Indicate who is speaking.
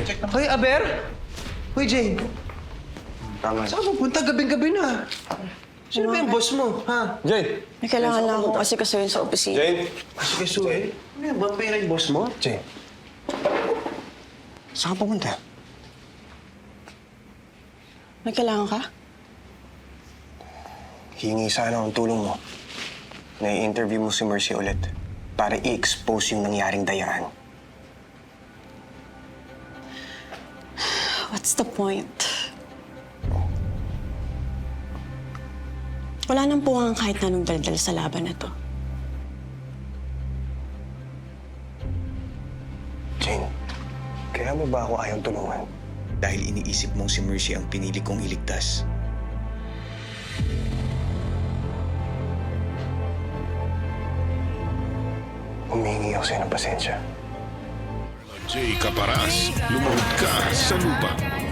Speaker 1: check naman.
Speaker 2: Hoy, Aber! Hoy, Jane.
Speaker 1: Tama.
Speaker 2: Saan ka pupunta? Gabing-gabi na. Sino ba yung boss mo, ha?
Speaker 1: Jane!
Speaker 3: May kailangan lang ako kasi kasuhin sa opisina.
Speaker 1: Jane!
Speaker 2: Sige, Sue. Ano yan? Vampire yung boss mo?
Speaker 1: Jane. Saan ka pupunta?
Speaker 3: May kailangan ka?
Speaker 1: Hingi sana ang tulong mo. Na-interview mo si Mercy ulit para i-expose yung nangyaring dayaan.
Speaker 3: What's the point? Wala nang puwang kahit na anong daldal sa laban na to.
Speaker 1: Jane, kaya mo ba ako ayaw tulungan?
Speaker 4: Dahil iniisip mong si Mercy ang pinili kong iligtas.
Speaker 1: Humingi ako sa'yo ng pasensya.
Speaker 5: Jay Caparaz, lumahod ka sa lupa.